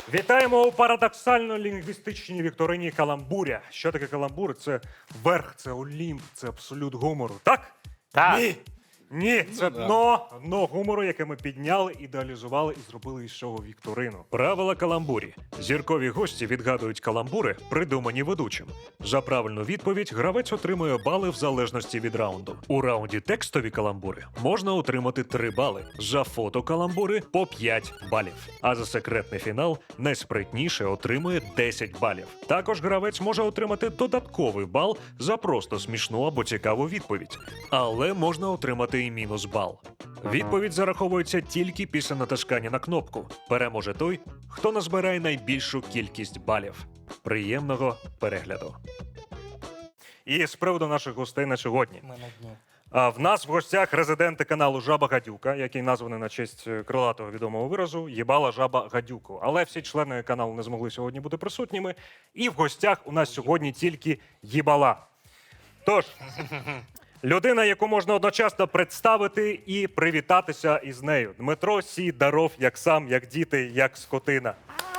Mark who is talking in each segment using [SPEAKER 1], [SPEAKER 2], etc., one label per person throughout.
[SPEAKER 1] Вітаємо у парадоксально-лінгвістичній вікторині «Каламбуря». Що таке каламбур? Це верх, це олімп, це абсолют гумору. Так?
[SPEAKER 2] Так.
[SPEAKER 1] Ні. Ні, це дно гумору, яке ми підняли, ідеалізували і зробили із цього вікторину. Правила каламбурі. Зіркові гості відгадують каламбури, придумані ведучим. За правильну відповідь гравець отримує бали в залежності від раунду. У раунді текстові каламбури можна отримати 3 бали, за фотокаламбури – по 5 балів. А за секретний фінал найспритніше отримує 10 балів. Також гравець може отримати додатковий бал за просто смішну або цікаву відповідь. Але можна отримати і мінус бал. Відповідь зараховується тільки після натискання на кнопку. Переможе той, хто назбирає найбільшу кількість балів. Приємного перегляду. І з приводу наших гостей на сьогодні. В нас в гостях резиденти каналу Жаба Гадюка, який названий на честь крилатого відомого виразу «Їбала жаба гадюку». Але всі члени каналу не змогли сьогодні бути присутніми. І в гостях у нас сьогодні тільки їбала. Тож, людина, яку можна одночасно представити і привітатися із нею. Дмитро Сідаров, як сам, як діти, як скотина.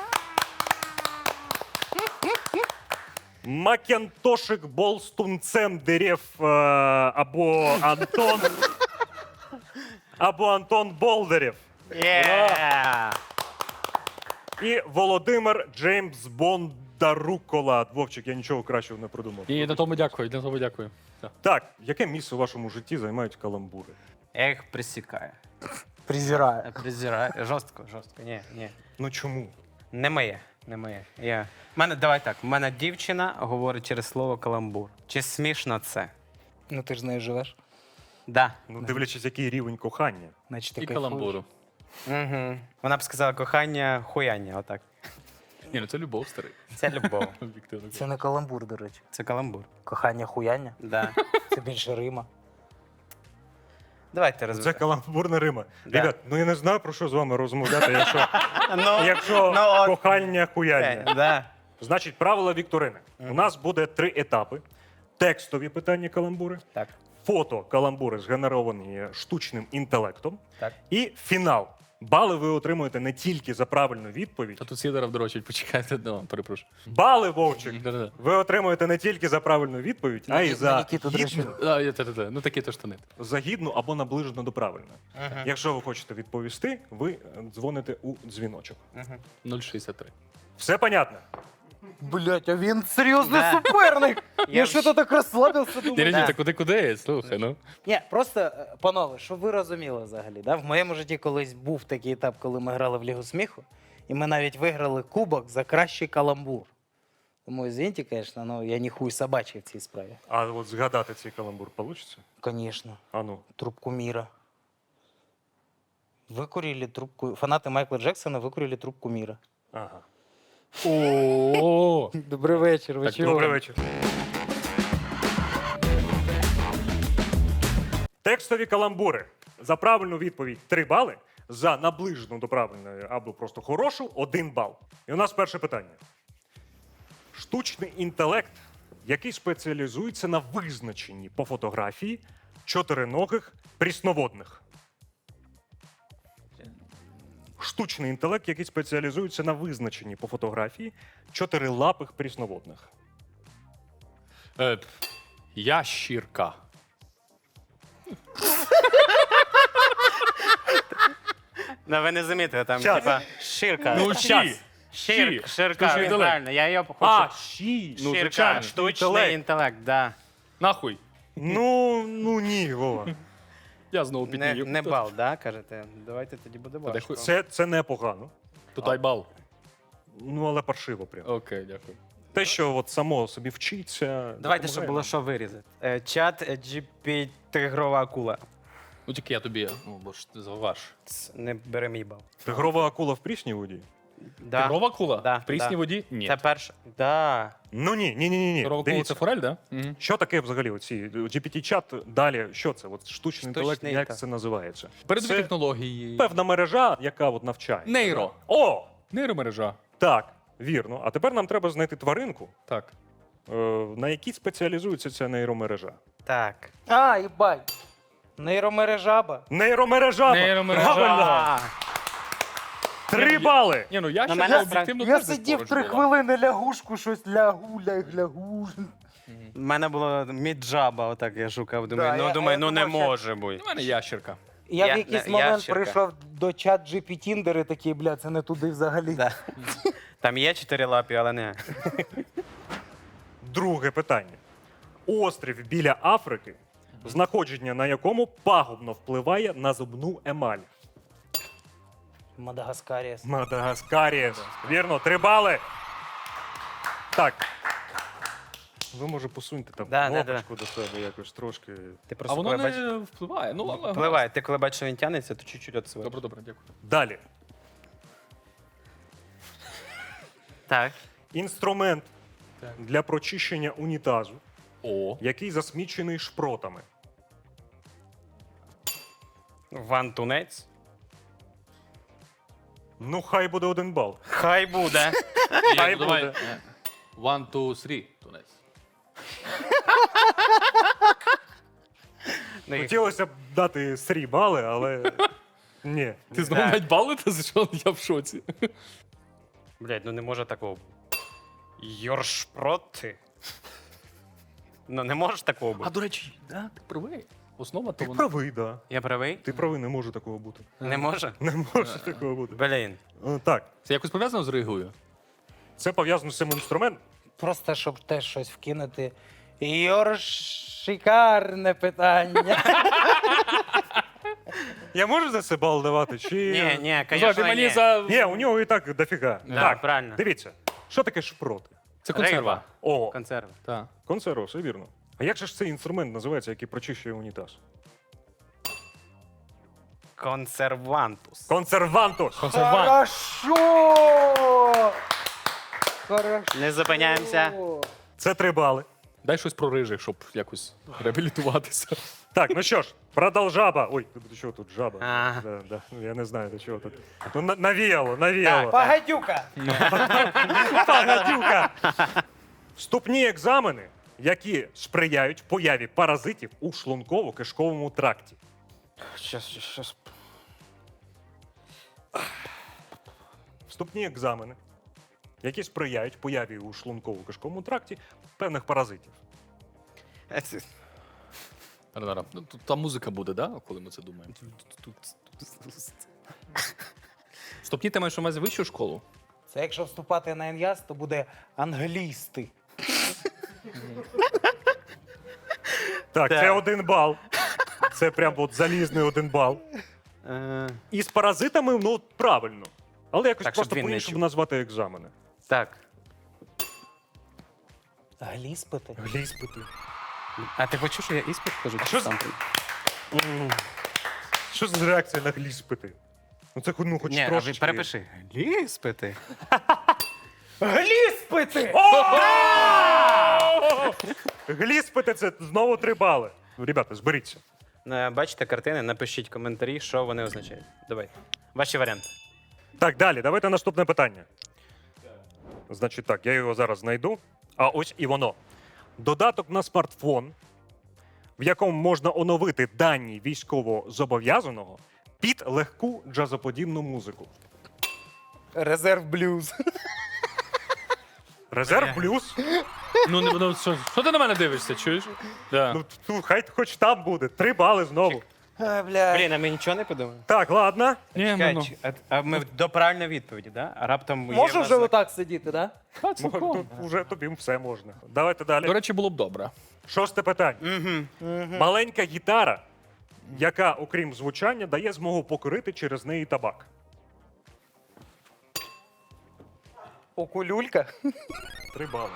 [SPEAKER 1] Макентошик Болстунцем дерев або Антон. Або Антон Болдерів. І Володимир Джеймс Бондарукола. Вовчик, я нічого кращого не придумав.
[SPEAKER 3] І на тому дякую, на тому дякую.
[SPEAKER 1] Так, яке місце у вашому житті займають каламбури?
[SPEAKER 2] Я їх присікаю.
[SPEAKER 4] Презираю.
[SPEAKER 2] Презираю. Жорстко. Ні.
[SPEAKER 1] Ну чому?
[SPEAKER 2] Не моє. Давай так, в мене дівчина говорить через слово каламбур. Чи смішно це?
[SPEAKER 4] Ну ти ж з нею живеш.
[SPEAKER 2] Да.
[SPEAKER 1] Ну, дивлячись, який рівень кохання.
[SPEAKER 4] Значить, ти
[SPEAKER 3] І
[SPEAKER 4] кайфуєш.
[SPEAKER 3] каламбуру.
[SPEAKER 2] Угу. Вона б сказала кохання, хуяння, отак.
[SPEAKER 3] Ні, ну це любов, старий.
[SPEAKER 2] Це любов.
[SPEAKER 3] Об'єктивно.
[SPEAKER 4] Це не каламбур, до речі.
[SPEAKER 2] Це каламбур.
[SPEAKER 4] Кохання хуяння.
[SPEAKER 2] Да.
[SPEAKER 4] Це більше Рима.
[SPEAKER 2] Давайте
[SPEAKER 1] Це
[SPEAKER 2] розберемо.
[SPEAKER 1] каламбурна Рима.
[SPEAKER 2] Да.
[SPEAKER 1] Ребят, ну я не знаю, про що з вами розмовляти,
[SPEAKER 2] Ну,
[SPEAKER 1] якщо
[SPEAKER 2] от.
[SPEAKER 1] кохання хуяння.
[SPEAKER 2] Да.
[SPEAKER 1] Значить, правила вікторини. У нас буде 3 етапи. Текстові питання каламбури,
[SPEAKER 2] Так.
[SPEAKER 1] фото каламбури згенеровані штучним інтелектом
[SPEAKER 2] Так.
[SPEAKER 1] і фінал. Бали ви отримуєте не тільки за правильну відповідь.
[SPEAKER 3] Та тут Сідоров дрочить, почекайте, ну, перепрошую.
[SPEAKER 1] Бали, Вовчик,
[SPEAKER 3] Да-да-да.
[SPEAKER 1] ви отримуєте не тільки за правильну відповідь, а й
[SPEAKER 4] На
[SPEAKER 1] за
[SPEAKER 4] Нікіту
[SPEAKER 1] гідну,
[SPEAKER 4] дрочу.
[SPEAKER 3] Ну такі то штани.
[SPEAKER 1] за гідну або наближену до правильної. Якщо ви хочете відповісти, ви дзвоните у дзвіночок.
[SPEAKER 3] 0,63.
[SPEAKER 1] Все понятно?
[SPEAKER 4] Блять, а він серйозний
[SPEAKER 2] Да.
[SPEAKER 4] суперник.
[SPEAKER 2] Я
[SPEAKER 4] Я що-то так розслабився,
[SPEAKER 3] Ні,
[SPEAKER 4] думаю.
[SPEAKER 3] ні, та куди? Слухай, ну.
[SPEAKER 4] Ні, просто, панове, щоб ви розуміли взагалі, да? В моєму житті колись був такий етап, коли ми грали в Лігу сміху, і ми навіть виграли кубок за кращий каламбур. Тому, извините, звісно, но я не хуй собачий в цій справі.
[SPEAKER 1] А от згадати цей каламбур вийде?
[SPEAKER 4] Звісно.
[SPEAKER 1] А ну.
[SPEAKER 4] Трубку мира. Выкурили трубку... Фанаты Майкла Джексона выкурили трубку мира.
[SPEAKER 1] Ага.
[SPEAKER 3] О,
[SPEAKER 4] Добрий вечір, ви
[SPEAKER 3] Так,
[SPEAKER 4] чого?
[SPEAKER 1] Добрий вечір. Текстові каламбури. За правильну відповідь 3 бали, за наближену до правильної або просто хорошу 1 бал. І у нас перше питання. Штучний інтелект, який спеціалізується на визначенні по фотографії чотириногих прісноводних. Штучний інтелект, який спеціалізується на визначенні по фотографії чотирилапих прісноводних.
[SPEAKER 3] ящірка.
[SPEAKER 2] Ну, ви не замітили, там,
[SPEAKER 1] Щас.
[SPEAKER 2] типа, ширка.
[SPEAKER 3] Ну,
[SPEAKER 2] Щас.
[SPEAKER 3] щі.
[SPEAKER 2] Ширка,
[SPEAKER 3] Штучний інтелект.
[SPEAKER 2] правильно, я її хочу.
[SPEAKER 1] А, щі.
[SPEAKER 3] Ну,
[SPEAKER 2] Ширка,
[SPEAKER 3] звичайно.
[SPEAKER 2] штучний інтелект, да.
[SPEAKER 3] Нахуй.
[SPEAKER 1] Ну ні, Вова.
[SPEAKER 3] Я знову
[SPEAKER 2] Не,
[SPEAKER 3] піднію.
[SPEAKER 2] не бал, да, кажете? Давайте тоді буде
[SPEAKER 3] Та де
[SPEAKER 2] важко.
[SPEAKER 3] хуй-
[SPEAKER 1] Це непогано.
[SPEAKER 3] Тут айбал.
[SPEAKER 1] Ну, але паршиво прям.
[SPEAKER 3] Окей, дякую.
[SPEAKER 1] Те, що от само собі вчиться.
[SPEAKER 2] Давайте, щоб
[SPEAKER 1] допомагає
[SPEAKER 2] було
[SPEAKER 1] нам.
[SPEAKER 2] що вирізати. Чат GPT тигрова акула.
[SPEAKER 3] Ну тільки я тобі, ну, бо ж ти заваж.
[SPEAKER 2] Не бери мій бал.
[SPEAKER 1] Тигрова акула в прісній воді?
[SPEAKER 2] Да.
[SPEAKER 3] Тигрова кула?
[SPEAKER 2] Да,
[SPEAKER 3] В прісній
[SPEAKER 2] да.
[SPEAKER 3] воді? Ні.
[SPEAKER 2] Це перше. Да.
[SPEAKER 1] Ну ні.
[SPEAKER 3] Тигрова кула це форель, да? Угу.
[SPEAKER 1] Що таке взагалі оці GPT-чат далі? Що це? От штучний інтелект, як
[SPEAKER 2] інтелект.
[SPEAKER 1] це називається?
[SPEAKER 3] Передові
[SPEAKER 1] Це
[SPEAKER 3] технології.
[SPEAKER 1] певна мережа, яка от навчає.
[SPEAKER 3] Нейро.
[SPEAKER 1] О!
[SPEAKER 3] Нейромережа.
[SPEAKER 1] Так, вірно. А тепер нам треба знайти тваринку,
[SPEAKER 3] Так.
[SPEAKER 1] на якій спеціалізується ця нейромережа.
[SPEAKER 2] Так.
[SPEAKER 4] А, їбать. Нейромережаба.
[SPEAKER 1] Нейромережа!
[SPEAKER 3] Нейромережа.
[SPEAKER 1] Правильно!
[SPEAKER 2] А,
[SPEAKER 1] 3 бали!
[SPEAKER 3] Ні, ну я
[SPEAKER 2] На
[SPEAKER 3] ще
[SPEAKER 2] мене
[SPEAKER 3] об'єктивно
[SPEAKER 4] Я
[SPEAKER 3] теж десь
[SPEAKER 4] сидів
[SPEAKER 3] поруч
[SPEAKER 4] 3
[SPEAKER 3] була.
[SPEAKER 4] хвилини лягушку, щось лягу.
[SPEAKER 2] У мене було міджаба, отак я шукав. Думаю,
[SPEAKER 4] Да,
[SPEAKER 2] думаю,
[SPEAKER 4] я
[SPEAKER 2] не
[SPEAKER 4] думав, що-
[SPEAKER 2] може бути.
[SPEAKER 3] У мене ящерка.
[SPEAKER 4] Я
[SPEAKER 2] Я-
[SPEAKER 4] в якийсь
[SPEAKER 2] я
[SPEAKER 4] момент
[SPEAKER 2] щирка.
[SPEAKER 4] прийшов до чат GP Tinder і такий, бля, це не туди взагалі.
[SPEAKER 2] Да. Там є 4 лапі, але не.
[SPEAKER 1] Друге питання. Острів біля Африки, знаходження на якому пагубно впливає на зубну емаль.
[SPEAKER 4] Мадагаскаріс.
[SPEAKER 1] Мадагаскаріс. Вірно, 3 бали. Так. Ви, може, посуньте там
[SPEAKER 2] Да, да,
[SPEAKER 1] кнопочку до себе якось трошки.
[SPEAKER 2] Ти
[SPEAKER 3] А
[SPEAKER 2] просто
[SPEAKER 3] воно
[SPEAKER 2] коли бачиш.
[SPEAKER 3] не впливає. Ну, ладно.
[SPEAKER 2] Впливає. Ти коли бачиш, що він тягнеться, то чуть-чуть відсуває.
[SPEAKER 3] Добре, добре, дякую.
[SPEAKER 1] Далі.
[SPEAKER 2] Так.
[SPEAKER 1] Інструмент
[SPEAKER 3] Так.
[SPEAKER 1] для прочищення унітазу,
[SPEAKER 3] О.
[SPEAKER 1] який засмічений шпротами.
[SPEAKER 2] Вантунець.
[SPEAKER 1] Ну, хай буде 1 бал.
[SPEAKER 2] Хай буде.
[SPEAKER 1] Хай
[SPEAKER 3] Ну, давай.
[SPEAKER 1] буде.
[SPEAKER 3] 1, 2, 3, тунець.
[SPEAKER 2] Ну, і-
[SPEAKER 1] Хотілося б дати 3 бали, але ні.
[SPEAKER 3] Ти знову
[SPEAKER 2] Так.
[SPEAKER 3] навіть балити, за що я в шоці.
[SPEAKER 2] Блядь, ну не може такого бути. Йоршпроти. Ну не може такого
[SPEAKER 3] А
[SPEAKER 2] бути.
[SPEAKER 3] до речі, да, ти правий. Основа то
[SPEAKER 1] Ти
[SPEAKER 3] вона.
[SPEAKER 1] правий, да.
[SPEAKER 2] Я правий?
[SPEAKER 1] Ти правий, не може такого бути.
[SPEAKER 2] Не може?
[SPEAKER 1] Не може такого бути.
[SPEAKER 2] Блін.
[SPEAKER 1] Так,
[SPEAKER 3] Це якось пов'язано з Ригою?
[SPEAKER 1] це пов'язано з цим інструментом.
[SPEAKER 4] Просто щоб теж щось вкинути. Шикарне питання.
[SPEAKER 1] Я можу за це бал давати? Чи...
[SPEAKER 2] Ні,
[SPEAKER 3] Слухай, ти
[SPEAKER 2] звісно,
[SPEAKER 3] мені
[SPEAKER 2] ні.
[SPEAKER 3] за.
[SPEAKER 1] Ні, у нього і так дофіга.
[SPEAKER 2] Да,
[SPEAKER 1] Так,
[SPEAKER 2] правильно.
[SPEAKER 1] дивіться, що таке шпроти?
[SPEAKER 3] Це консерва.
[SPEAKER 2] Риба.
[SPEAKER 1] О,
[SPEAKER 2] Консерви.
[SPEAKER 3] Так.
[SPEAKER 1] консерва, все вірно. А як же ж цей інструмент називається, який прочищує унітаз?
[SPEAKER 2] Консервантус.
[SPEAKER 1] Консервантус!
[SPEAKER 3] Консервант.
[SPEAKER 4] Хорошо.
[SPEAKER 2] Не зупиняємося.
[SPEAKER 1] Це 3 бали.
[SPEAKER 3] Дай щось про рижих, щоб якось реабілітуватися.
[SPEAKER 1] Так, ну що ж, продовжаба. Ой, до чого тут жаба?
[SPEAKER 2] Ага.
[SPEAKER 1] Да, да. Ну, я не знаю, до чого тут. Ну, навіяло.
[SPEAKER 4] Пагадюка.
[SPEAKER 1] Пагадюка. Вступні екзамени, які сприяють появі паразитів у шлунково-кишковому тракті.
[SPEAKER 2] Щас.
[SPEAKER 1] Вступні екзамени, які сприяють появі у шлунково-кишковому тракті певних паразитів.
[SPEAKER 3] Ну, тут та музика буде, да? Коли ми це думаємо. Стопні, ти маєш у увазі вищу школу?
[SPEAKER 4] Це якщо вступати на НЯС, то буде англісти.
[SPEAKER 1] Так, це 1 бал. Це прям от залізний 1 бал. І з паразитами, ну, правильно. Але якось
[SPEAKER 2] Так, щоб
[SPEAKER 1] просто
[SPEAKER 2] він не
[SPEAKER 1] по-іншому
[SPEAKER 2] чув.
[SPEAKER 1] назвати екзамени.
[SPEAKER 2] Так.
[SPEAKER 4] Гліспити.
[SPEAKER 1] Гліспити.
[SPEAKER 2] А ти почув, що я іспит кажу?
[SPEAKER 1] А що з- Що за реакція на гліспити? Ну це ну, хоч
[SPEAKER 2] Ні, а ви
[SPEAKER 1] трошечки.
[SPEAKER 2] перепиши. Іспити.
[SPEAKER 4] Гліспити!
[SPEAKER 1] Гліспити це знову 3 бали. Ребята, зберіться.
[SPEAKER 2] Бачите картини, напишіть коментарі, що вони означають. Давайте. Ваші варіанти.
[SPEAKER 1] Так, далі, давайте наступне питання. Значить так, я його зараз знайду. А ось і воно. Додаток на смартфон, в якому можна оновити дані військовозобов'язаного під легку джазоподібну музику.
[SPEAKER 4] Резерв блюз.
[SPEAKER 1] Резерв плюс.
[SPEAKER 3] Ну, що ти на мене дивишся, чуєш? Да.
[SPEAKER 1] Ну, хай хоч там буде. 3 бали знову.
[SPEAKER 4] Бля.
[SPEAKER 2] Блін, а ми нічого не подумали?
[SPEAKER 1] Так, ладно.
[SPEAKER 3] Ні,
[SPEAKER 2] Чекай, а ми до правильної відповіді, да? А раптом є
[SPEAKER 4] Можу
[SPEAKER 2] в нас
[SPEAKER 4] вже
[SPEAKER 2] знак-
[SPEAKER 4] отак сидіти, да?
[SPEAKER 1] Тут вже тобі все можна. Давайте далі.
[SPEAKER 3] До речі, було б добре.
[SPEAKER 1] 6 питання. Маленька гітара, яка, окрім звучання, дає змогу покорити через неї табак.
[SPEAKER 4] Окулюлька.
[SPEAKER 1] 3 бали.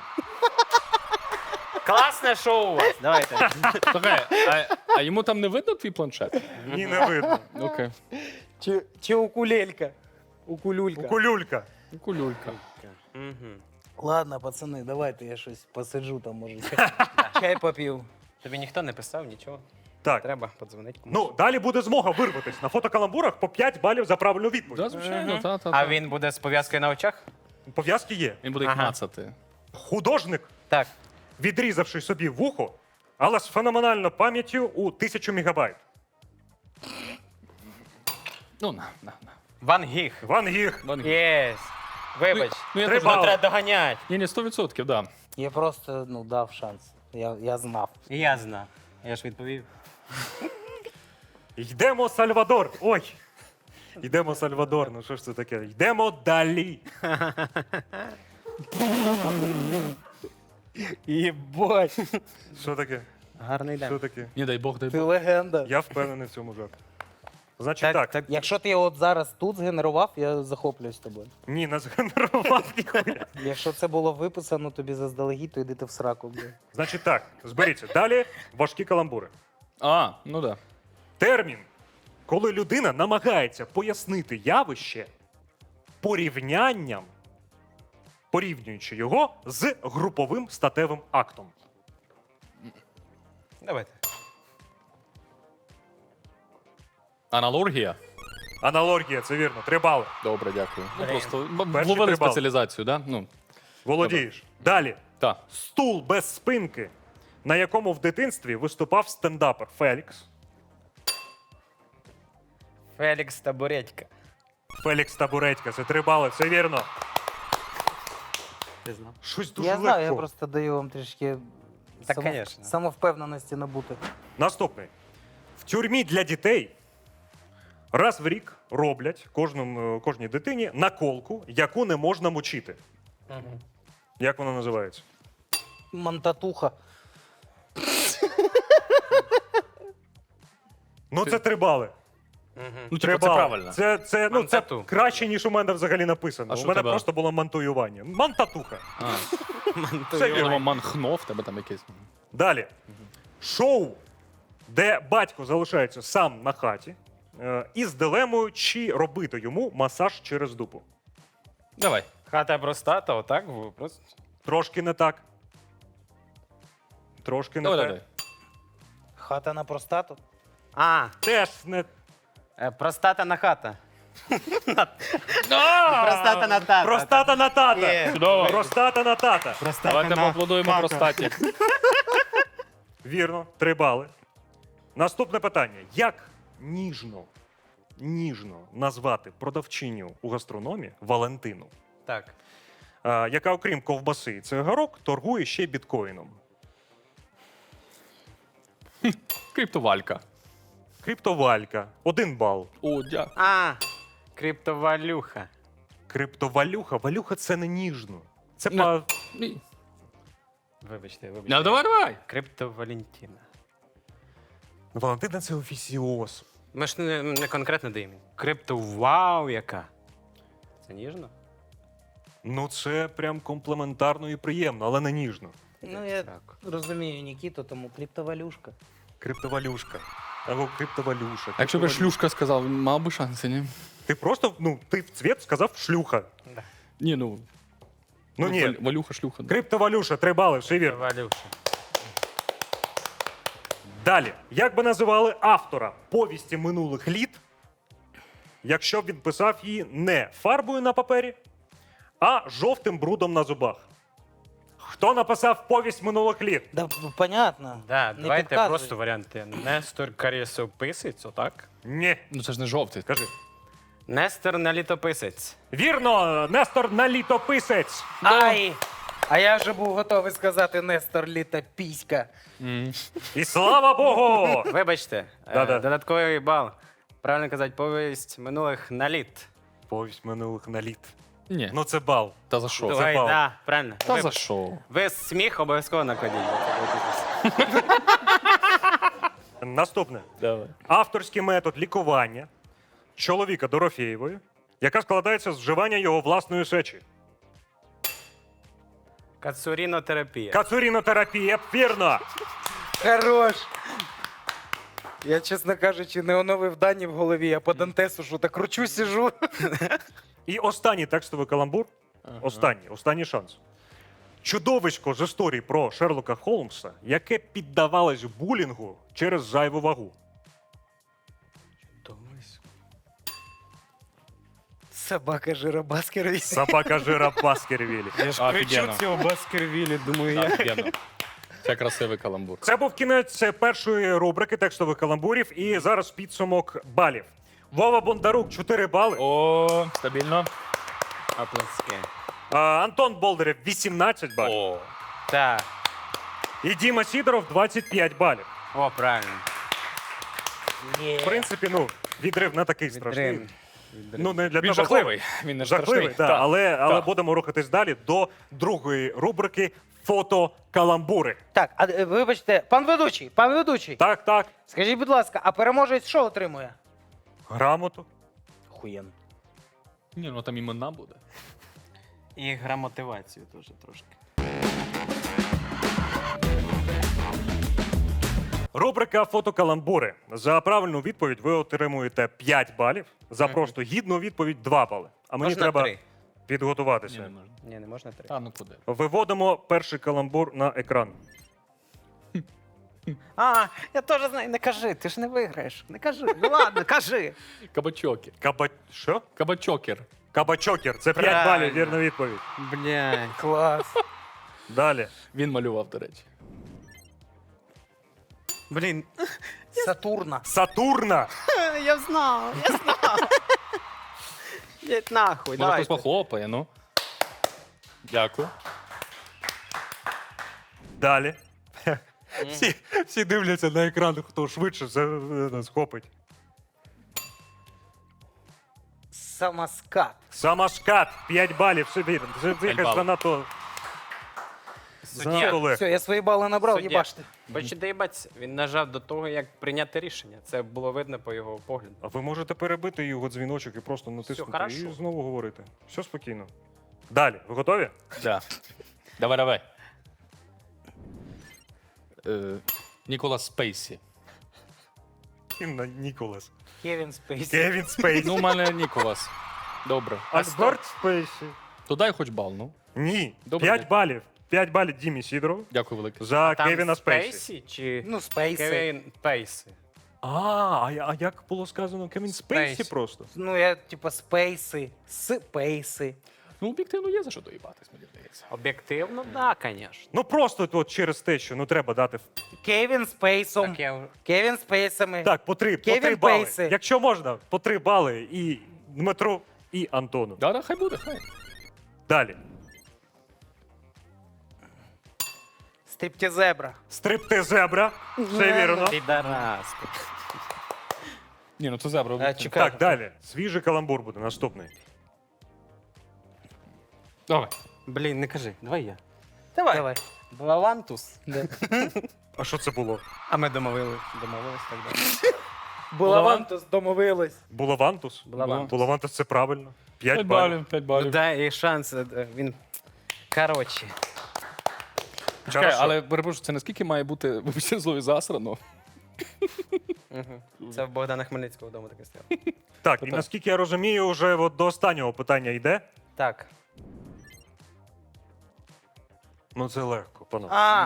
[SPEAKER 2] Класне шоу у вас. Давайте.
[SPEAKER 3] Слухай, а йому там не видно твій планшет?
[SPEAKER 1] Ні, не видно.
[SPEAKER 3] Окей.
[SPEAKER 4] Чи укулелька. Укулюлька.
[SPEAKER 1] Кулюлька.
[SPEAKER 3] Кулюлька.
[SPEAKER 2] Мгм.
[SPEAKER 4] Ладно, пацани, давайте я щось посиджу там, може. Чай поп'ю.
[SPEAKER 2] Тобі ніхто не писав, нічого.
[SPEAKER 1] Так.
[SPEAKER 2] Треба подзвонити комусь.
[SPEAKER 1] Ну, далі буде змога вирватися. На фотокаламбурах по 5 балів за правильну
[SPEAKER 3] Да,
[SPEAKER 1] відповідь.
[SPEAKER 3] звичайно, та.
[SPEAKER 2] А він буде з пов'язкою на очах?
[SPEAKER 1] Пов'язки є.
[SPEAKER 3] Він буде їх
[SPEAKER 2] Ага.
[SPEAKER 3] мацати.
[SPEAKER 1] Художник,
[SPEAKER 2] Так.
[SPEAKER 1] відрізавши собі вухо, але з феноменальною пам'яттю у 1000 мегабайт.
[SPEAKER 3] Ну, на.
[SPEAKER 2] Ван Гіг.
[SPEAKER 1] Ван Гіг.
[SPEAKER 2] Єс. Вибач.
[SPEAKER 3] Ну, я
[SPEAKER 1] Три
[SPEAKER 3] теж-
[SPEAKER 1] бали.
[SPEAKER 2] Треба доганяти.
[SPEAKER 3] Ні, 100%, да.
[SPEAKER 4] Я просто дав шанс. Я знав.
[SPEAKER 2] І я знав. Я ж відповів.
[SPEAKER 1] Йдемо Сальвадор. Ой. Йдемо Сальвадор. Ну що ж це таке? Йдемо далі.
[SPEAKER 4] Єбать.
[SPEAKER 1] Що таке?
[SPEAKER 2] Гарний
[SPEAKER 1] Що
[SPEAKER 2] день.
[SPEAKER 1] таке?
[SPEAKER 3] Ні, дай Бог, дай
[SPEAKER 4] Ти
[SPEAKER 3] Бог.
[SPEAKER 4] легенда.
[SPEAKER 1] Я впевнений в цьому жарті. Значить так.
[SPEAKER 4] Якщо ти його от зараз тут згенерував, я захоплююсь тобою.
[SPEAKER 1] Ні, не згенерував ніхуя.
[SPEAKER 4] Якщо це було виписано тобі заздалегідь, то йди ти в сраку. Блін.
[SPEAKER 1] Значить так, зберіться. Далі важкі каламбури.
[SPEAKER 3] А, ну да.
[SPEAKER 1] Термін, коли людина намагається пояснити явище порівнянням, порівнюючи його з груповим статевим актом.
[SPEAKER 2] Давайте.
[SPEAKER 3] Аналогія?
[SPEAKER 1] Аналогія, це вірно. 3 бали.
[SPEAKER 3] Добре, дякую. Ну,
[SPEAKER 2] Блін.
[SPEAKER 3] просто
[SPEAKER 1] Перші
[SPEAKER 3] вловили
[SPEAKER 1] 3 бали.
[SPEAKER 3] спеціалізацію, да? Ну,
[SPEAKER 1] Володієш. Далі.
[SPEAKER 3] так.
[SPEAKER 1] Стул без спинки, на якому в дитинстві виступав стендапер Фелікс.
[SPEAKER 2] Фелікс Табуретька.
[SPEAKER 1] Фелікс Табуретька, це 3 бали, це вірно.
[SPEAKER 2] Ти знав?
[SPEAKER 1] Щось дуже
[SPEAKER 4] Я
[SPEAKER 1] легко.
[SPEAKER 4] знаю, я просто даю вам трішки
[SPEAKER 2] Так, конечно.
[SPEAKER 4] самовпевненості набути.
[SPEAKER 1] Наступний. В тюрмі для дітей раз в рік роблять кожній дитині наколку, яку не можна мочити. Як вона називається?
[SPEAKER 4] Мантатуха.
[SPEAKER 1] Ну, це 3 бали.
[SPEAKER 3] Ну,
[SPEAKER 1] 3
[SPEAKER 3] типу, це
[SPEAKER 1] бали.
[SPEAKER 3] правильно.
[SPEAKER 1] Це
[SPEAKER 2] Мантату.
[SPEAKER 1] краще, ніж у мене взагалі написано.
[SPEAKER 3] А
[SPEAKER 1] У
[SPEAKER 3] що
[SPEAKER 1] мене
[SPEAKER 3] тебе?
[SPEAKER 1] просто було мантуювання. Мантатуха.
[SPEAKER 3] А,
[SPEAKER 1] Це
[SPEAKER 3] я
[SPEAKER 1] вірно.
[SPEAKER 3] думав, манхнов, тебе там якийсь.
[SPEAKER 1] Далі. Шоу, де батько залишається сам на хаті із дилемою, чи робити йому масаж через дупу.
[SPEAKER 3] Давай.
[SPEAKER 2] Хата простата, отак? Просто.
[SPEAKER 1] Трошки не так. Трошки не
[SPEAKER 3] Давай,
[SPEAKER 1] так.
[SPEAKER 3] давай.
[SPEAKER 4] Хата на простату.
[SPEAKER 2] А,
[SPEAKER 1] Теж не.
[SPEAKER 2] простата на хата. Простата на тата.
[SPEAKER 1] Простата на тата.
[SPEAKER 2] Є.
[SPEAKER 3] Чудово.
[SPEAKER 1] Простата на тата.
[SPEAKER 3] Давайте поаплодуємо простаті.
[SPEAKER 1] Вірно, 3 бали. Наступне питання. Як ніжно назвати продавчиню у гастрономі Валентину,
[SPEAKER 2] Так.
[SPEAKER 1] яка, окрім ковбаси і цигарок, торгує ще біткоїном?
[SPEAKER 3] Криптовалька.
[SPEAKER 1] Криптовалька. 1 бал.
[SPEAKER 3] О, дякую.
[SPEAKER 2] А, криптовалюха.
[SPEAKER 1] Криптовалюха. Валюха це не ніжно. Це
[SPEAKER 3] Ну.
[SPEAKER 1] па...
[SPEAKER 3] Ні.
[SPEAKER 2] Вибачте.
[SPEAKER 3] Ну, давай.
[SPEAKER 2] Криптовалентина.
[SPEAKER 1] Валентина це офісіоз.
[SPEAKER 2] Ми ж не конкретно даємо. Криптовау яка. Це ніжно?
[SPEAKER 1] Ну, це прям комплементарно і приємно, але не ніжно.
[SPEAKER 4] Ну, я
[SPEAKER 2] Так.
[SPEAKER 4] розумію Нікіту, тому криптовалюшка.
[SPEAKER 1] Криптовалюшка. Або криптовалюша.
[SPEAKER 3] А якщо б я
[SPEAKER 1] Криптовалюша.
[SPEAKER 3] шлюшка сказав, мав би шанси, ні?
[SPEAKER 1] Ти просто, ти в цвіт сказав шлюха.
[SPEAKER 3] Ні, ну.
[SPEAKER 1] Ну ні.
[SPEAKER 3] Валюха, шлюха.
[SPEAKER 1] Криптовалюша, 3 бали, все вірно.
[SPEAKER 2] Валюша.
[SPEAKER 1] Далі. Як би називали автора повісті минулих літ, якщо б він писав її не фарбою на папері, а жовтим брудом на зубах? Хто написав повість минулих літ?
[SPEAKER 4] Да, понятно.
[SPEAKER 2] Да,
[SPEAKER 4] Не
[SPEAKER 2] давайте
[SPEAKER 4] підказуй.
[SPEAKER 2] просто варіанти. Нестор Карєсописець, отак?
[SPEAKER 1] Ні.
[SPEAKER 3] Ну це ж не жовтий.
[SPEAKER 1] Кажи.
[SPEAKER 2] Нестор Налітописець.
[SPEAKER 1] Вірно, Нестор Налітописець.
[SPEAKER 4] Ай! А я вже був готовий сказати Нестор Літа Піська.
[SPEAKER 1] І слава Богу!
[SPEAKER 2] Вибачте,
[SPEAKER 1] Да-да.
[SPEAKER 2] додатковий бал. Правильно казати, повість минулих на літ.
[SPEAKER 1] Повість минулих на літ.
[SPEAKER 3] Ні.
[SPEAKER 1] Ну це бал.
[SPEAKER 3] Та за що?
[SPEAKER 1] Давай.
[SPEAKER 2] Ой,
[SPEAKER 1] бал.
[SPEAKER 2] да, правильно.
[SPEAKER 3] Та
[SPEAKER 2] Ви-
[SPEAKER 3] за що?
[SPEAKER 2] Ви сміх обов'язково накладіть.
[SPEAKER 1] Наступне.
[SPEAKER 3] Давай.
[SPEAKER 1] Авторський метод лікування чоловіка Дорофєєвої, яка складається з вживання його власної сечі.
[SPEAKER 2] Кацурінотерапія.
[SPEAKER 1] Кацурінотерапія, вірно.
[SPEAKER 4] Хорош! Я, чесно кажучи, не оновив дані в голові, я по Дантесу що так кручу, сижу.
[SPEAKER 1] І останній текстовий каламбур. Останній шанс. Чудовисько з історії про Шерлока Холмса, яке піддавалось булінгу через зайву вагу.
[SPEAKER 4] Собака жира Баскервіль.
[SPEAKER 1] Собака жира Баскервілі.
[SPEAKER 2] Я ж
[SPEAKER 3] Офігенно.
[SPEAKER 2] цього Баскервілі, думаю, я.
[SPEAKER 3] Офігенно. Це красивий каламбур.
[SPEAKER 1] Це був кінець першої рубрики текстових каламбурів, і зараз підсумок балів. Вова Бондарук 4 бали.
[SPEAKER 3] О, стабільно.
[SPEAKER 2] Оплески.
[SPEAKER 1] Антон Болдирев 18 балів.
[SPEAKER 3] О.
[SPEAKER 2] Так.
[SPEAKER 1] І Діма Сідоров 25 балів.
[SPEAKER 2] О, правильно.
[SPEAKER 1] В принципі, ну, відрив не такий страшний.
[SPEAKER 2] Відрив.
[SPEAKER 1] Ну, не для
[SPEAKER 3] Він
[SPEAKER 1] того,
[SPEAKER 3] жахливий. Він не
[SPEAKER 1] Жахливий,
[SPEAKER 3] страшний.
[SPEAKER 1] да,
[SPEAKER 3] Так.
[SPEAKER 1] але
[SPEAKER 3] Так.
[SPEAKER 1] будемо рухатись далі до другої рубрики фото-каламбури.
[SPEAKER 4] Так, вибачте, пан ведучий,
[SPEAKER 1] Так, так.
[SPEAKER 4] скажіть, будь ласка, а переможець що отримує?
[SPEAKER 1] Грамоту.
[SPEAKER 4] Хуєн.
[SPEAKER 3] Ні, ну там імена буде.
[SPEAKER 2] І грамотивацію теж трошки.
[SPEAKER 1] Рубрика фотокаламбури. За правильну відповідь ви отримуєте 5 балів, за просто гідну відповідь 2 бали. А мені
[SPEAKER 2] Можна
[SPEAKER 1] треба
[SPEAKER 2] 3.
[SPEAKER 3] Ні,
[SPEAKER 1] підготуватися.
[SPEAKER 3] не можна.
[SPEAKER 2] Ні, не можна 3.
[SPEAKER 3] Та ну куди?
[SPEAKER 1] Виводимо перший каламбур на екран.
[SPEAKER 2] А, я теж знаю, не кажи, ти ж не виграєш. Не кажи. Ну ладно, кажи.
[SPEAKER 3] Кабачокер.
[SPEAKER 1] Що?
[SPEAKER 3] Кабачокер.
[SPEAKER 1] Кабачокер. Це 5
[SPEAKER 2] Правильно.
[SPEAKER 1] балів, вірна відповідь.
[SPEAKER 2] Блядь.
[SPEAKER 4] Клас.
[SPEAKER 1] Далі.
[SPEAKER 3] Він малював, до речі.
[SPEAKER 2] Блін,
[SPEAKER 4] Сатурна.
[SPEAKER 1] Сатурна.
[SPEAKER 2] я знав. Їдь нахуй,
[SPEAKER 3] Може,
[SPEAKER 2] давай.
[SPEAKER 3] хтось похлопає, ну. Дякую.
[SPEAKER 1] Далі. Всі дивляться на екран, хто швидше схопить.
[SPEAKER 4] Самоскат.
[SPEAKER 1] Самошкат. 5 балів. Все вірно. Це якась
[SPEAKER 3] балів.
[SPEAKER 1] занадто
[SPEAKER 2] Суддя.
[SPEAKER 1] легко.
[SPEAKER 4] Все, я свої бали набрав,
[SPEAKER 2] Суддя.
[SPEAKER 4] їбаште.
[SPEAKER 2] Бачите, доїбаться. Він нажав до того, як прийняти рішення. Це було видно по його погляду.
[SPEAKER 1] А ви можете перебити його дзвіночок і просто натиснути
[SPEAKER 2] хорошо.
[SPEAKER 1] і знову говорити. Все спокійно. Далі. Ви готові?
[SPEAKER 3] Да. Давай. Ніколас Спейсі.
[SPEAKER 1] Інна Ніколас.
[SPEAKER 4] Кевін Спейсі.
[SPEAKER 1] Кевін Спейсі.
[SPEAKER 3] Ну, у мене Ніколас. Добре.
[SPEAKER 1] Альберт Спейсі.
[SPEAKER 3] То дай хоч бал, ну.
[SPEAKER 1] Ні.
[SPEAKER 3] Добре.
[SPEAKER 1] 5 балів. 5 балів Дімі Сідорову
[SPEAKER 3] Дякую велике.
[SPEAKER 1] за
[SPEAKER 2] Там
[SPEAKER 1] Кевіна Спейсі.
[SPEAKER 2] Спейсі чи
[SPEAKER 4] Ну, Спейси.
[SPEAKER 2] Кевін Пейсі?
[SPEAKER 1] А як було сказано? Кевін Спейсі
[SPEAKER 2] Спейсі.
[SPEAKER 1] просто.
[SPEAKER 4] Ну, я, типа, Спейси, Спейси.
[SPEAKER 3] Ну, об'єктивно є за що доїбатись, мені здається.
[SPEAKER 2] Об'єктивно, так, звісно.
[SPEAKER 1] Ну просто от через те, що ну треба дати.
[SPEAKER 4] Кевін Спейсом.
[SPEAKER 2] Так, я...
[SPEAKER 4] Кевін Спейсами.
[SPEAKER 1] Так, по 3
[SPEAKER 4] Кевін
[SPEAKER 1] бали.
[SPEAKER 4] Пейсі.
[SPEAKER 1] Якщо можна, по 3 бали і Дмитру, і Антону.
[SPEAKER 3] Да, хай буде, хай.
[SPEAKER 1] Далі.
[SPEAKER 4] Стриптізебра.
[SPEAKER 1] Стриптизебра. Все вірно.
[SPEAKER 2] Підарас.
[SPEAKER 3] Ні, ну це зебра.
[SPEAKER 4] Чекай.
[SPEAKER 1] Так, далі. Свіжий каламбур буде наступний.
[SPEAKER 3] Давай.
[SPEAKER 2] Блін, не кажи, давай я.
[SPEAKER 4] Давай.
[SPEAKER 2] Блавантус.
[SPEAKER 1] А що це було?
[SPEAKER 2] А ми домовились так далі.
[SPEAKER 4] Булавантус домовились.
[SPEAKER 1] Булавантус?
[SPEAKER 2] Булавантус.
[SPEAKER 1] Булавантус це правильно. 5
[SPEAKER 3] 5
[SPEAKER 1] балів.
[SPEAKER 3] балів, 5
[SPEAKER 2] Ну,
[SPEAKER 3] балів.
[SPEAKER 2] дай їй шанс, він... Коротше.
[SPEAKER 3] Чекай,
[SPEAKER 1] Хорошо.
[SPEAKER 3] але перепрошую, це наскільки має бути, вибачте слові, засрано?
[SPEAKER 2] Це в Богдана Хмельницького вдома таке стояло.
[SPEAKER 1] Так, і наскільки я розумію, вже от до останнього питання йде.
[SPEAKER 2] Так.
[SPEAKER 1] Ну це легко, панове.
[SPEAKER 4] А,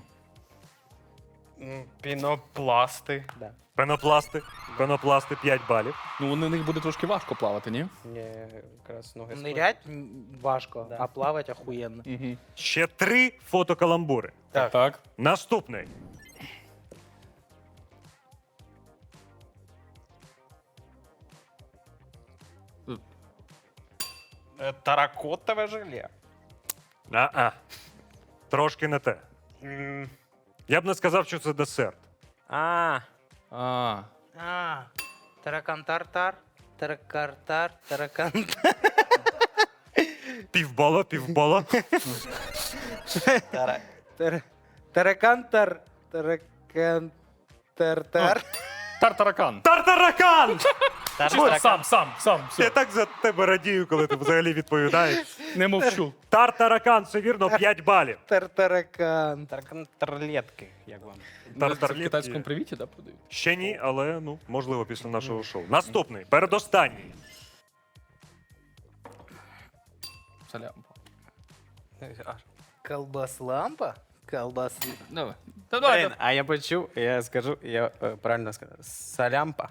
[SPEAKER 2] Пінопласти. Да.
[SPEAKER 1] Пенопласти 5 балів.
[SPEAKER 3] Ну, на них буде трошки важко плавати, ні?
[SPEAKER 2] Ні, якраз ноги
[SPEAKER 4] нирять важко,
[SPEAKER 2] Да.
[SPEAKER 4] а плавать охуєнно.
[SPEAKER 3] Угу.
[SPEAKER 1] Ще 3 фотокаламбури.
[SPEAKER 2] Так.
[SPEAKER 3] Так.
[SPEAKER 1] Наступний.
[SPEAKER 2] Таракотове желе.
[SPEAKER 1] Трошки не те. Я б не сказав, що це десерт.
[SPEAKER 2] А,
[SPEAKER 3] А,
[SPEAKER 4] А, таракан-тар-тар, таракар-тар, таракан.
[SPEAKER 1] Півбала.
[SPEAKER 4] Таракан-тар, таракан-тар-тар.
[SPEAKER 3] тартаракан.
[SPEAKER 1] Тартаракан!
[SPEAKER 3] Сам,
[SPEAKER 1] Я
[SPEAKER 3] все.
[SPEAKER 1] так за тебе радію, коли ти взагалі відповідаєш.
[SPEAKER 3] Не мовчу.
[SPEAKER 1] Тартаракан, це вірно, 5 балів.
[SPEAKER 4] Тартаракан.
[SPEAKER 2] Тарлетки, як вам?
[SPEAKER 3] Це в
[SPEAKER 1] Тартарлетки.
[SPEAKER 3] китайському привіті, да, продають?
[SPEAKER 1] Ще ні, але ну, можливо, після нашого шоу. Наступний, передостанній.
[SPEAKER 3] Салямпа.
[SPEAKER 4] Колбас-лампа? Колбас.
[SPEAKER 3] Давай. Та давай.
[SPEAKER 2] Блін, а я почув, я скажу, я правильно сказав. Салямпа.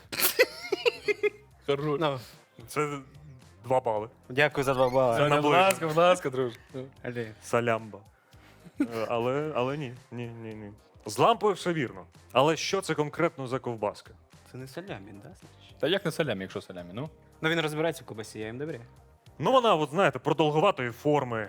[SPEAKER 3] Хорош.
[SPEAKER 2] Ну,
[SPEAKER 1] Це 2 бали.
[SPEAKER 2] дякую за 2 бали.
[SPEAKER 1] Це наближено.
[SPEAKER 3] Будь ласка, друже.
[SPEAKER 1] Салямба. Але ні. З лампою все вірно. Але що це конкретно за ковбаска?
[SPEAKER 2] Це не салямі, да? значить?
[SPEAKER 3] Та як не салямі, якщо салямі, ну?
[SPEAKER 2] Ну він розбирається в кубасі, я їм довіряю.
[SPEAKER 1] Ну вона, от знаєте, продовгуватої форми.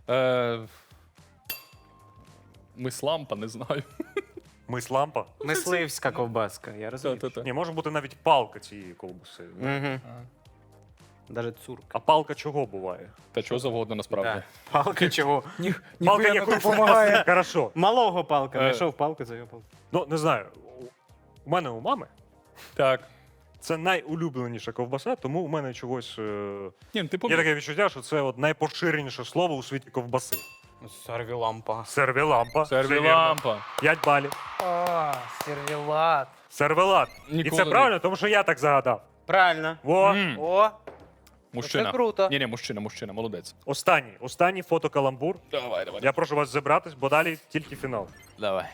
[SPEAKER 3] Мислампа, не знаю.
[SPEAKER 1] Мислампа.
[SPEAKER 2] Мисливська ковбаска, я розумію.
[SPEAKER 3] Та-та-та.
[SPEAKER 1] Ні, може бути навіть палка цієї ковбаси.
[SPEAKER 2] Угу. Даже цурка.
[SPEAKER 1] А палка чого буває?
[SPEAKER 3] Та чого завгодно насправді.
[SPEAKER 2] Да. Палка чого?
[SPEAKER 1] Палка якоїсь допомагає. Хорошо.
[SPEAKER 2] Малого палка. Знайшов палку, завів палку.
[SPEAKER 1] Ну, не знаю. У мене у мами
[SPEAKER 3] Так.
[SPEAKER 1] це найулюбленіша ковбаса, тому у мене чогось
[SPEAKER 3] Ні, ну, ти
[SPEAKER 1] є таке відчуття, що це от найпоширеніше слово у світі ковбаси.
[SPEAKER 2] Сервілампа.
[SPEAKER 1] Сервілампа.
[SPEAKER 3] Сервілампа.
[SPEAKER 1] 5 балів.
[SPEAKER 4] А, сервілат.
[SPEAKER 1] Сервелат. І
[SPEAKER 3] Ніколи
[SPEAKER 1] це
[SPEAKER 3] не-
[SPEAKER 1] правильно, тому що я так загадав.
[SPEAKER 2] Правильно.
[SPEAKER 1] Во.
[SPEAKER 3] М.
[SPEAKER 4] О,
[SPEAKER 3] Мужчина.
[SPEAKER 4] це круто.
[SPEAKER 3] Ні, мужчина, молодець.
[SPEAKER 1] Останній фотокаламбур.
[SPEAKER 3] Давай.
[SPEAKER 1] Я прошу вас зібратись, бо далі тільки фінал.
[SPEAKER 3] Давай.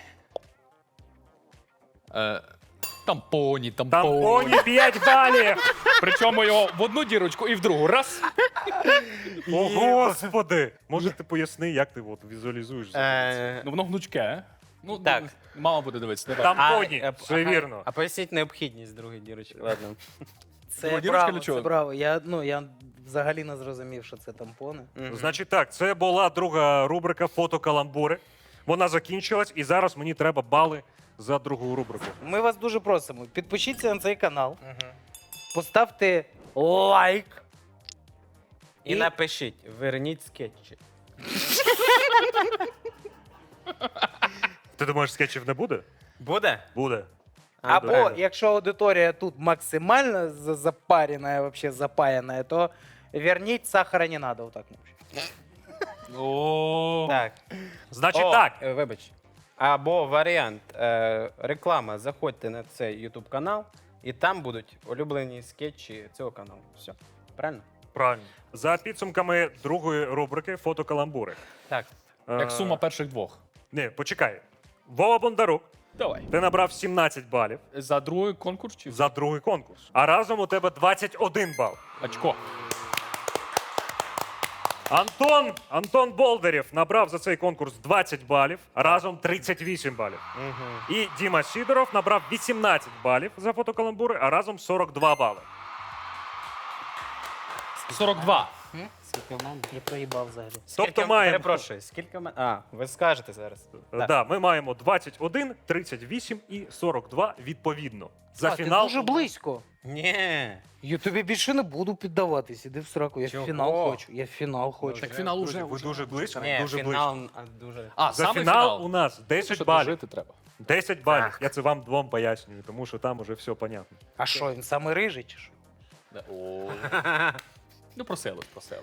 [SPEAKER 3] Тампоні.
[SPEAKER 1] Тампоні 5 балів!
[SPEAKER 3] Причому його в одну дірочку і в другу. Раз.
[SPEAKER 1] О, Господи! Може, ти поясни, як ти от візуалізуєш?
[SPEAKER 3] Ну, воно гнучке. Ну,
[SPEAKER 2] Так.
[SPEAKER 3] мама буде дивитися. Давай.
[SPEAKER 1] Тампоні, все вірно.
[SPEAKER 2] А поясніть необхідність другої дірочки. Ладно.
[SPEAKER 4] Це
[SPEAKER 3] Дірочка
[SPEAKER 4] браво,
[SPEAKER 3] для чого?
[SPEAKER 4] це браво. Я взагалі не зрозумів, що це тампони.
[SPEAKER 1] Значить так, це була друга рубрика фотокаламбури. Вона закінчилась, і зараз мені треба бали за другу рубрику.
[SPEAKER 4] Ми вас дуже просимо, підпишіться на цей канал, поставте лайк.
[SPEAKER 2] І напишіть, верніть скетчі.
[SPEAKER 1] Ти думаєш, скетчів не буде?
[SPEAKER 2] Буде?
[SPEAKER 1] Буде.
[SPEAKER 4] Або якщо аудиторія тут максимально запарена, вообще запаяна, то верніть сахара не надо. Отак.
[SPEAKER 3] О.
[SPEAKER 2] Так.
[SPEAKER 1] Значить
[SPEAKER 2] О,
[SPEAKER 1] так.
[SPEAKER 2] Вибач. Або варіант реклама. Заходьте на цей YouTube канал, і там будуть улюблені скетчі цього каналу. Все. Правильно?
[SPEAKER 1] Правильно. За підсумками другої рубрики фотокаламбури.
[SPEAKER 2] Так.
[SPEAKER 3] Як сума перших двох.
[SPEAKER 1] Ні, почекай. Вова Бондарук,
[SPEAKER 3] Давай.
[SPEAKER 1] ти набрав 17 балів
[SPEAKER 3] За другий конкурс чи
[SPEAKER 1] за другий конкурс. А разом у тебе 21 бал.
[SPEAKER 3] очко?
[SPEAKER 1] Антон Болдерєв набрав за цей конкурс 20 балів, разом 38 балів. І Діма Сідоров набрав 18 балів за фотокаламбури, а разом 42 бали.
[SPEAKER 3] 42.
[SPEAKER 2] Скільки в мене?
[SPEAKER 4] Я проїбав взагалі.
[SPEAKER 1] Тобто маємо-
[SPEAKER 2] Перепрошую, скільки в мене? А, ви скажете зараз.
[SPEAKER 1] Да, ми маємо 21, 38 і 42 відповідно. За
[SPEAKER 4] А,
[SPEAKER 1] фінал
[SPEAKER 4] ти дуже близько.
[SPEAKER 2] Ні.
[SPEAKER 4] Я тобі більше не буду піддаватись. Іди в сраку. Я
[SPEAKER 2] Чого?
[SPEAKER 4] в фінал хочу. Я в фінал хочу.
[SPEAKER 3] Так фінал уже.
[SPEAKER 1] ви дуже близько,
[SPEAKER 2] Ні,
[SPEAKER 1] дуже
[SPEAKER 2] фінал
[SPEAKER 1] близько.
[SPEAKER 2] дуже.
[SPEAKER 3] А,
[SPEAKER 1] За
[SPEAKER 3] саме
[SPEAKER 1] фінал у нас 10
[SPEAKER 3] Що
[SPEAKER 1] балів.
[SPEAKER 3] дожити треба.
[SPEAKER 1] 10 балів. Я це вам двом пояснюю, тому що там уже все понятно.
[SPEAKER 4] А що, він самий рижий чи що?
[SPEAKER 3] Да. О. Ну, проселось.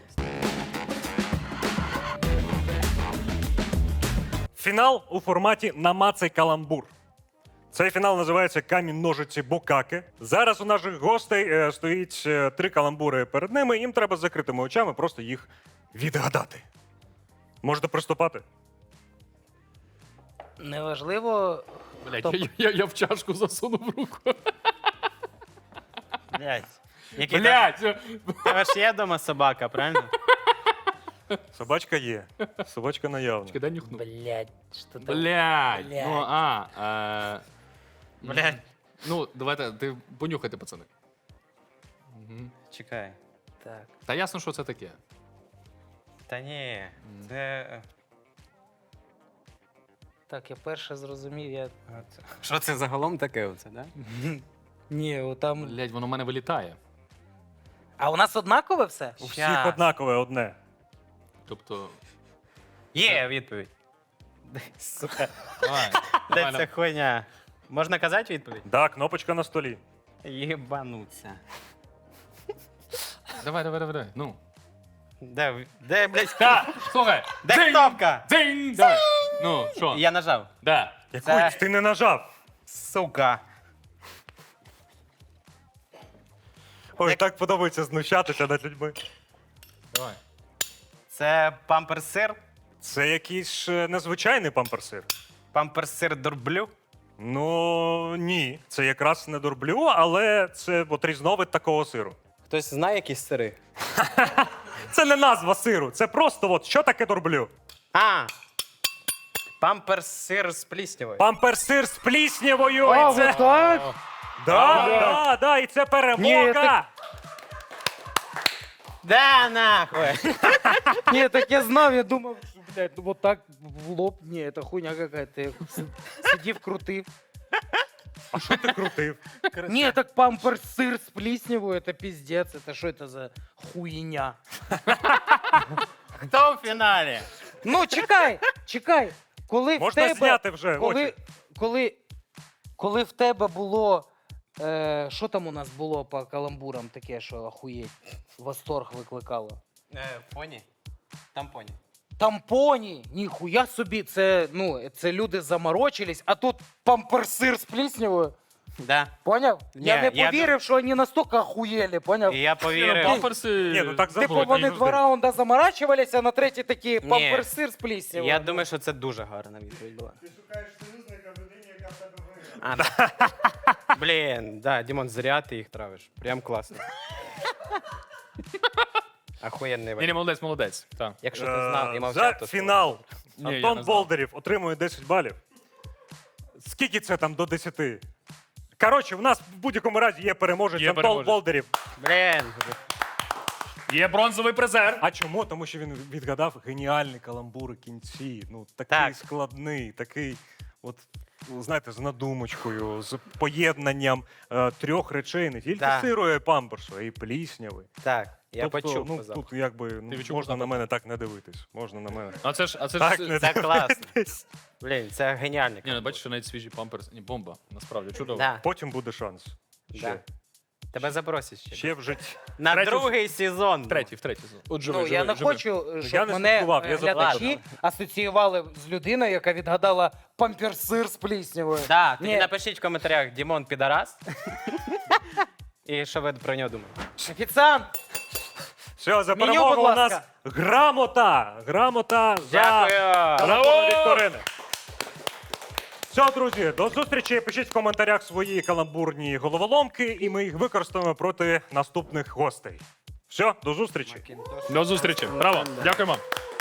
[SPEAKER 1] Фінал у форматі «Намацай каламбур». Цей фінал називається «Камінь, ножиці, букаки». Зараз у наших гостей стоїть 3 каламбури перед ними, їм треба з закритими очами просто їх відгадати. Можете приступати?
[SPEAKER 4] Неважливо.
[SPEAKER 3] Блядь, я в чашку засунув руку.
[SPEAKER 2] Блядь. Який
[SPEAKER 3] Блядь!
[SPEAKER 2] Тебе ж є вдома собака, правильно?
[SPEAKER 1] Собачка є. Собачка наявна.
[SPEAKER 3] Дай нюхну.
[SPEAKER 4] Блять, що там?
[SPEAKER 3] Блядь!
[SPEAKER 4] Блядь.
[SPEAKER 3] Ну,
[SPEAKER 2] Блядь.
[SPEAKER 3] Ну, давайте, ти понюхайте, пацани.
[SPEAKER 2] Чекай.
[SPEAKER 4] Так.
[SPEAKER 3] Та ясно, що це таке.
[SPEAKER 2] Та ні. Це.
[SPEAKER 4] Так, я перше зрозумів, я.
[SPEAKER 2] Що це загалом таке оце, да?
[SPEAKER 4] Ні, отам.
[SPEAKER 3] Блядь, воно в мене вилітає.
[SPEAKER 4] А у нас однакове все?
[SPEAKER 1] У всіх
[SPEAKER 2] Щас.
[SPEAKER 1] однакове одне.
[SPEAKER 3] Тобто.
[SPEAKER 2] Є відповідь. Сука.
[SPEAKER 3] Давай.
[SPEAKER 2] Де
[SPEAKER 3] давай,
[SPEAKER 2] ця хуйня? Можна казати відповідь?
[SPEAKER 1] Да, кнопочка на столі.
[SPEAKER 2] Єбануться.
[SPEAKER 3] давай. Ну.
[SPEAKER 2] Де, блядь,
[SPEAKER 3] Так, слухай.
[SPEAKER 2] де кнопка?
[SPEAKER 3] Дзинь! Давай. Ну, що?
[SPEAKER 2] Я нажав.
[SPEAKER 3] Да.
[SPEAKER 1] Яку
[SPEAKER 2] Це-
[SPEAKER 1] ти не нажав?
[SPEAKER 2] Сука.
[SPEAKER 1] Ой, так подобається знущатися над людьми.
[SPEAKER 3] Давай.
[SPEAKER 2] Це памперсир?
[SPEAKER 1] Це якийсь незвичайний памперсир.
[SPEAKER 2] Памперсир дурблю?
[SPEAKER 1] Ну ні, це якраз не дурблю, але це от різновид такого сиру.
[SPEAKER 2] Хтось знає якісь сири?
[SPEAKER 1] Це не назва сиру, це просто от що таке дурблю.
[SPEAKER 2] А! Памперсир з пліснявою.
[SPEAKER 1] Памперсир з пліснявою.
[SPEAKER 4] А,
[SPEAKER 1] і це...
[SPEAKER 4] вот так?
[SPEAKER 1] Да, і це перемога!
[SPEAKER 4] Ні, так-
[SPEAKER 2] Да, нахуй!
[SPEAKER 4] Ні, так я знав, я думав, що, блядь, ну вот так в лоб. Ні, це хуйня какая-то. Я сидів, крутив.
[SPEAKER 1] А що ти крутив?
[SPEAKER 4] Ні, так памперс сир з пліснявою, це піздець. Це що це за хуйня?
[SPEAKER 2] Хто в фіналі?
[SPEAKER 4] Ну, чекай. Коли
[SPEAKER 1] Можна
[SPEAKER 4] в тебе,
[SPEAKER 1] зняти вже очі.
[SPEAKER 4] коли в тебе було. Що там у нас було по каламбурам таке, що ахуєть, восторг викликало?
[SPEAKER 2] Поні? Там поні.
[SPEAKER 4] Тампоні, ніхуя собі, це люди заморочились, а тут памперсир з пліснявою.
[SPEAKER 2] Да.
[SPEAKER 4] Поняв?
[SPEAKER 2] Ні,
[SPEAKER 4] я не
[SPEAKER 2] я
[SPEAKER 4] повірив, що вони настільки охуєли, поняв?
[SPEAKER 2] І я повірив.
[SPEAKER 3] Памперси.
[SPEAKER 1] Ні, ну так
[SPEAKER 4] Типу
[SPEAKER 1] забули.
[SPEAKER 4] вони два раунди заморачувалися, а на третій такі
[SPEAKER 2] Ні.
[SPEAKER 4] памперсир з пліснявою.
[SPEAKER 2] Я думаю, що це дуже гарна відповідь була.
[SPEAKER 5] Ти шукаєш союзника в людині, яка в тебе виграє.
[SPEAKER 2] Блін, да, Дімон, зря ти їх травиш. Прям класно. Охуєнний
[SPEAKER 3] Ні,
[SPEAKER 2] варіант.
[SPEAKER 3] молодець. Так.
[SPEAKER 2] Якщо ти знав і
[SPEAKER 1] За
[SPEAKER 2] мовчав, то
[SPEAKER 1] фінал
[SPEAKER 3] Ні, я
[SPEAKER 1] Антон
[SPEAKER 3] не знав.
[SPEAKER 1] Болдерів отримує 10 балів. Скільки це там до 10? Коротше, в нас в будь-якому разі є переможець
[SPEAKER 3] Є
[SPEAKER 1] Антон
[SPEAKER 3] переможець.
[SPEAKER 1] Болдерів.
[SPEAKER 2] Блін.
[SPEAKER 3] Є бронзовий призер.
[SPEAKER 1] А чому? Тому що він відгадав геніальні каламбури кінці. Ну, такий
[SPEAKER 2] Так.
[SPEAKER 1] складний, такий, от, ну, знаєте, з надумочкою, з поєднанням трьох речей, не тільки
[SPEAKER 2] Так.
[SPEAKER 1] сиру і памперсу, а й плісняви.
[SPEAKER 2] Так, я
[SPEAKER 1] Тобто,
[SPEAKER 2] почув.
[SPEAKER 1] ну,
[SPEAKER 2] позав.
[SPEAKER 1] тут якби ну,
[SPEAKER 3] Ти відчув
[SPEAKER 1] можна
[SPEAKER 3] запах?
[SPEAKER 1] на мене так не дивитись. Можна на мене.
[SPEAKER 3] А це ж
[SPEAKER 1] Так, не
[SPEAKER 2] Це класно.
[SPEAKER 1] дивитись.
[SPEAKER 2] Блін, це геніальний.
[SPEAKER 3] Ні, ну бачиш, що навіть свіжі памперси. Ні, бомба. Насправді чудово.
[SPEAKER 2] Да,
[SPEAKER 1] Потім буде шанс. Ще.
[SPEAKER 2] да. Тебе запросять ще.
[SPEAKER 1] Ще в житті.
[SPEAKER 2] На
[SPEAKER 3] Третій-
[SPEAKER 2] другий сезон.
[SPEAKER 3] В третій. От живий,
[SPEAKER 4] Ну,
[SPEAKER 3] живий,
[SPEAKER 4] я не
[SPEAKER 3] живий.
[SPEAKER 4] хочу,
[SPEAKER 1] Я
[SPEAKER 4] щоб
[SPEAKER 1] не
[SPEAKER 4] мене
[SPEAKER 1] слідкував, я
[SPEAKER 4] глядачі
[SPEAKER 2] запитав.
[SPEAKER 4] асоціювали з людиною, яка відгадала памперсир з пліснявою.
[SPEAKER 2] Да, тоді
[SPEAKER 4] Ні.
[SPEAKER 2] напишіть в коментарях Дімон підарас. І що ви про нього думаєте?
[SPEAKER 4] Офіціант!
[SPEAKER 1] Все, за
[SPEAKER 4] Меню,
[SPEAKER 1] перемогу
[SPEAKER 4] будь
[SPEAKER 1] у нас
[SPEAKER 4] ласка.
[SPEAKER 1] грамота. Грамота за
[SPEAKER 2] Дякую.
[SPEAKER 1] Браво! Вікторини. Все, друзі, до зустрічі. Пишіть в коментарях свої каламбурні головоломки, і ми їх використаємо проти наступних гостей. Все, до зустрічі.
[SPEAKER 3] До зустрічі. Браво. Дякуємо.